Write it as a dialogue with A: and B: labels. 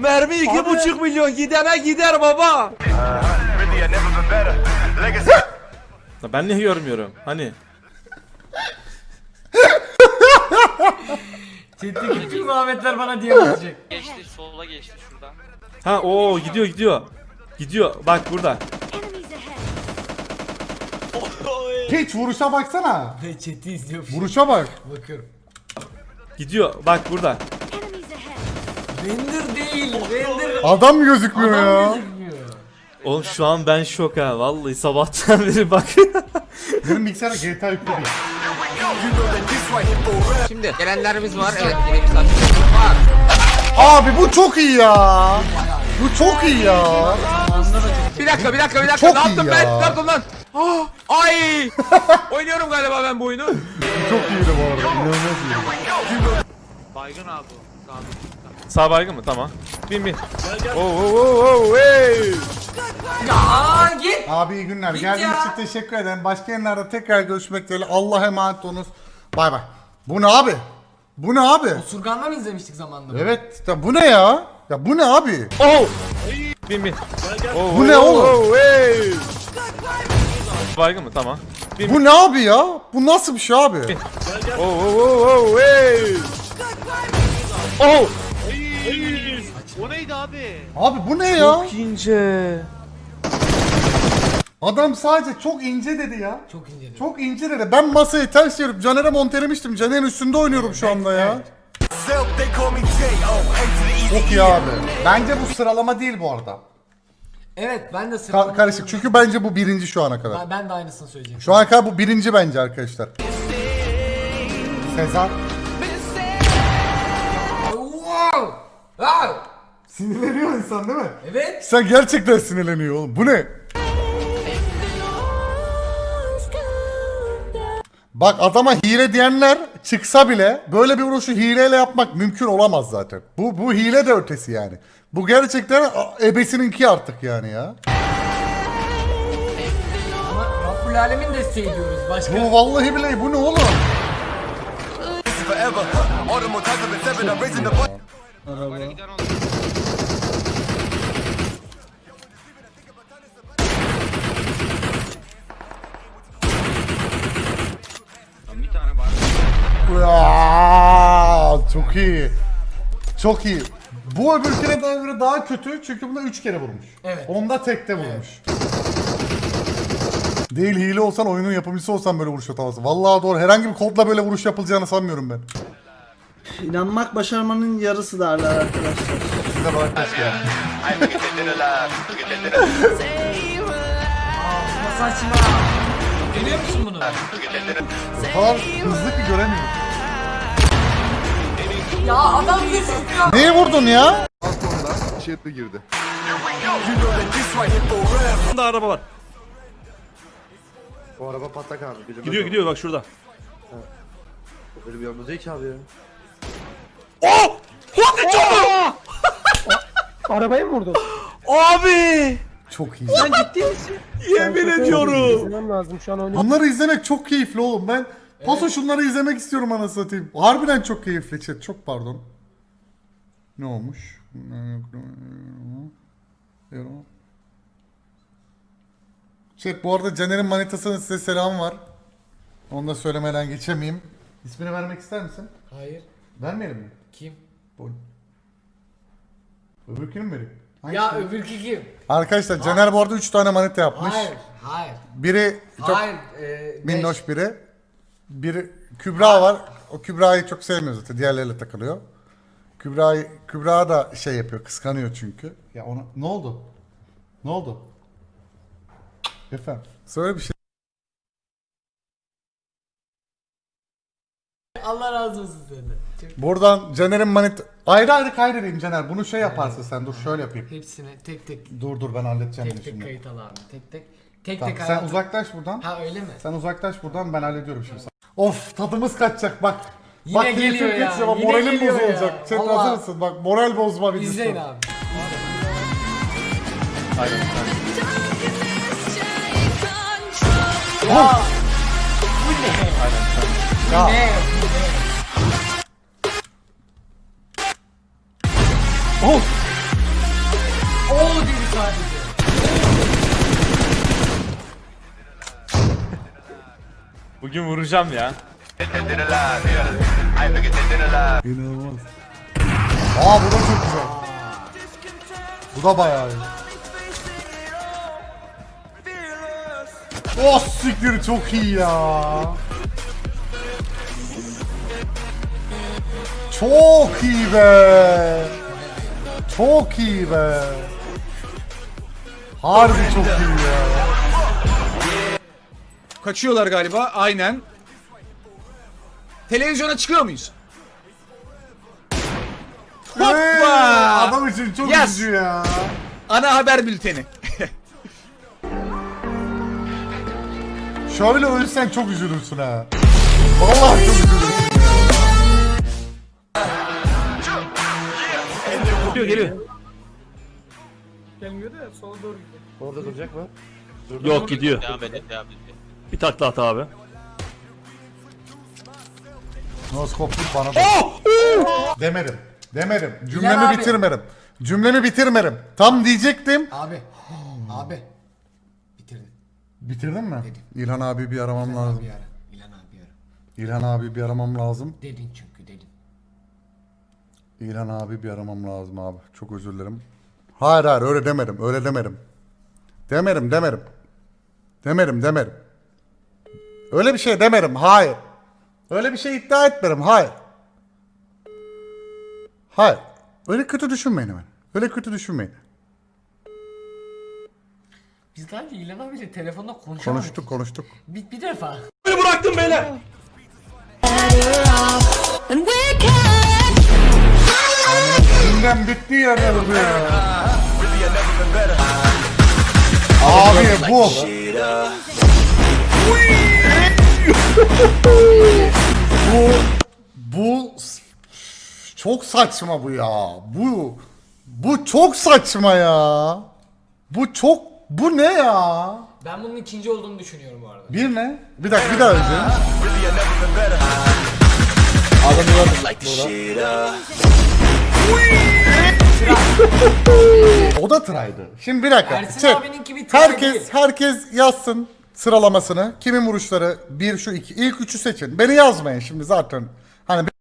A: Mermi 2,5 milyon gidene gider baba. Ben niye görmüyorum? Hani?
B: Chat'teki bütün muhabbetler bana diye olacak.
C: Geçti, sola geçti şuradan.
A: Ha o gidiyor. Gidiyor. Bak burada.
D: Hiç vuruşa baksana.
B: Chat'i izliyorum.
D: Vuruşa bak.
B: Bakıyorum.
A: Gidiyor. Bak burada.
B: Render değil. Render.
D: Adam gözükmüyor
B: Adam
D: ya.
B: gözükmüyor.
A: Oğlum şu an ben şok ha. Vallahi sabahtan beri bak.
D: Benim bilgisayara GTA yüklü değil.
E: Şimdi gelenlerimiz var. Evet, yine misafirlerimiz var.
D: Abi bu çok iyi ya. Bu çok iyi ya.
E: Bir dakika.
D: Çok
E: Ne
D: iyi
E: yaptım
D: ya.
E: ben? Ne yaptım lan? Ah, ay! Oynuyorum galiba ben bu oyunu.
D: Bu çok iyiydi bu arada. İnanılmaz iyi.
C: Baygın abi o.
A: Sağ baygın mı? Tamam. Bin. Oo, hey.
B: Ya git.
D: Abi iyi günler.
B: Git
D: Geldiğiniz
B: ya.
D: için teşekkür ederim. Başka yerlerde tekrar görüşmek dileğiyle. Allah'a emanet olunuz. Bay bay. Bu ne abi? Bu ne abi?
B: Surgan'da mı izlemiştik zamanında?
D: Evet. Ya bu ne ya? Ya bu ne abi?
A: Oh! Bin. Oo,
D: Bu ne oğlum?
A: hey. Baygın mı? Tamam.
D: Bu ne abi ya? Bu nasıl bir şey abi?
A: Oo, hey. Oh!
C: O neydi abi?
D: Abi bu ne ya?
A: Çok ince.
D: Adam sadece çok ince dedi ya.
B: Çok ince.
D: Çok ince dedi. Ben masayı ters çevirip Caner'e montelemiştim. Caner'in üstünde oynuyorum şu anda ya. Çok iyi abi. Bence bu sıralama değil bu arada.
B: Evet ben de sıralama.
D: Karışık. Çünkü bence bu birinci şu ana kadar.
B: Ben de aynısını söyleyeceğim.
D: Şu ana kadar bu birinci bence arkadaşlar. Sezar.
B: Wow! Wow!
D: Sinirleniyor insan değil mi?
B: Evet.
D: Sen gerçekten sinirleniyor oğlum. Bu ne? Bak adama hile diyenler çıksa bile böyle bir vuruşu hileyle yapmak mümkün olamaz zaten. Bu hile de ötesi yani. Bu gerçekten ebesininki artık yani ya.
B: Ama Rabbul Alemin desteği diyoruz. Başka.
D: Bu vallahi billahi bu ne oğlum?
C: Böyle giden oldu. Lan bir tane var.
D: Ya, çok iyi. Çok iyi. Bu öbürküne göre daha kötü çünkü bunda 3 kere vurmuş.
B: Evet.
D: Onda tekte vurmuş. Değil hile olsan oyunun yapımcısı olsan böyle vuruş atamazsın. Vallahi doğru. Herhangi bir kodla böyle vuruş yapılacağını sanmıyorum ben.
F: İnanmak başarmanın yarısı derler arkadaşlar.
D: Size bak keşke.
B: Ama saçma. Görüyor musun bunu?
D: O kadar hızlı ki göremiyorum.
B: Ya adam gözükmüyor.
D: Neye vurdun ya?
G: İçeri girdi.
A: Burada araba var.
G: O araba patlak abi. Bilemez
A: Gidiyor bak şurada.
G: Böyle bir yolda değil ki abi ya.
H: Arabayı mı vurdun?
A: Abi!
D: Çok iyi.
H: Sen ciddi misin?
A: Yemin ediyorum.
H: İzlemem lazım şu an oyunu.
D: Bunları izlemek çok keyifli oğlum. Ben paso şunları izlemek istiyorum anasını satayım. Harbiden çok keyifli chat. Çok pardon. Ne olmuş? Chat bu arada Caner'in manitasının size selamı var. Onu da söylemeden geçemeyeyim. İsmini vermek ister misin?
B: Hayır.
D: Vermeyelim mi?
B: Kim?
D: Bu. Öbürkünü mü vereyim?
B: Ya
D: Hangisi?
B: öbürkü kim?
D: Arkadaşlar Caner bu arada 3 tane manita yapmış.
B: Hayır.
D: Biri çok
B: Hayır.
D: minnoş biri. Biri Kübra var. O Kübra'yı çok sevmiyor zaten. Diğerleriyle takılıyor. Kübra da şey yapıyor. Kıskanıyor çünkü. Ya ona ne oldu? Ne oldu? Efendim. Söyle bir şey.
B: Allah razı olsun senden.
D: Buradan Caner'in manit ayrı ayrı kaydedeyim Caner. Bunu şey yaparsın sen. Dur şöyle yapayım.
B: Hepsini tek tek
D: Dur ben halledeceğim bunu
B: tek tek
D: şimdi.
B: kayıt al abi. Tek
D: Tamam,
B: tek
D: sen
B: hayatım.
D: uzaklaş buradan.
B: Ha öyle mi?
D: Sen uzaklaş buradan ben hallediyorum şimdi. Of tadımız kaçacak bak.
B: Yine
D: bak
B: geliyor
D: keyfim
B: ya,
D: kaçacak. Bak,
B: yine
D: moralim
B: geliyor ya.
D: bozulacak. Chat
B: Vallahi.
D: hazır mısın? Bak moral bozma videosu.
B: İzleyin abi.
A: Aynen.
B: Ya. Bu ne?
D: Ya.
B: Ne?
D: Oh.
B: Oo dedi sadece.
A: Bugün vuracağım ya.
D: İnanılmaz. Aa bu da çok güzel. Bu da bayağı iyi. Oh siktir çok iyi ya. Çok iyi be. Çok iyi be. Harbi çok iyi ya.
E: Kaçıyorlar galiba. Aynen. Televizyona çıkıyor muyuz? Hoppa!
D: Adam için çok
E: Yes.
D: üzücü ya.
E: Ana haber bülteni.
D: Şöyle ölürsen çok üzülürsün ha. Vallahi çok üzülürsün.
E: Geliyor.
H: Gelmiyor da sola doğru gidiyor.
G: Orada duracak mı?
I: Yok gidiyor.
C: Devam edin.
I: Bir takla at abi.
D: Noskopluk bana da. Demedim. Cümlemi
B: Bilal abi.
D: bitirmedim. Cümlemi bitirmedim. Tam diyecektim.
B: Abi. Abi. Bitirdim.
D: Bitirdin mi?
B: Dedim.
D: İlhan abi bir aramam
B: İlhan
D: lazım.
B: abi ara. İlhan abi ara.
D: İlhan abi bir aramam lazım.
B: Dedin çünkü dedin.
D: İlhan abi bir aramam lazım abi. Çok özür dilerim. Hayır öyle demedim. Öyle demedim. Demedim. Öyle bir şey demedim. Hayır. Öyle bir şey iddia etmedim. Hayır. Öyle kötü düşünmeyin hemen. Öyle kötü düşünmeyin.
B: Biz daha önce İlhan abiyle telefonda konuşamadık.
D: Konuştuk.
B: Bir defa.
I: Bıraktım beyler.
D: Gündem bitti ya ne bu ya? Abi bu. bu çok saçma bu ya. Bu çok saçma ya. Bu ne ya?
B: Ben bunun ikinci olduğunu düşünüyorum bu arada.
D: Bir ne? Bir dakika bir daha önce. O da try'dı. Şimdi bir dakika.
B: Ersin
D: Çek.
B: abininki bir try değil.
D: Herkes yazsın sıralamasını. Kimin vuruşları? 1 şu 2. İlk 3'ü seçin. Beni yazmayın şimdi zaten. Hani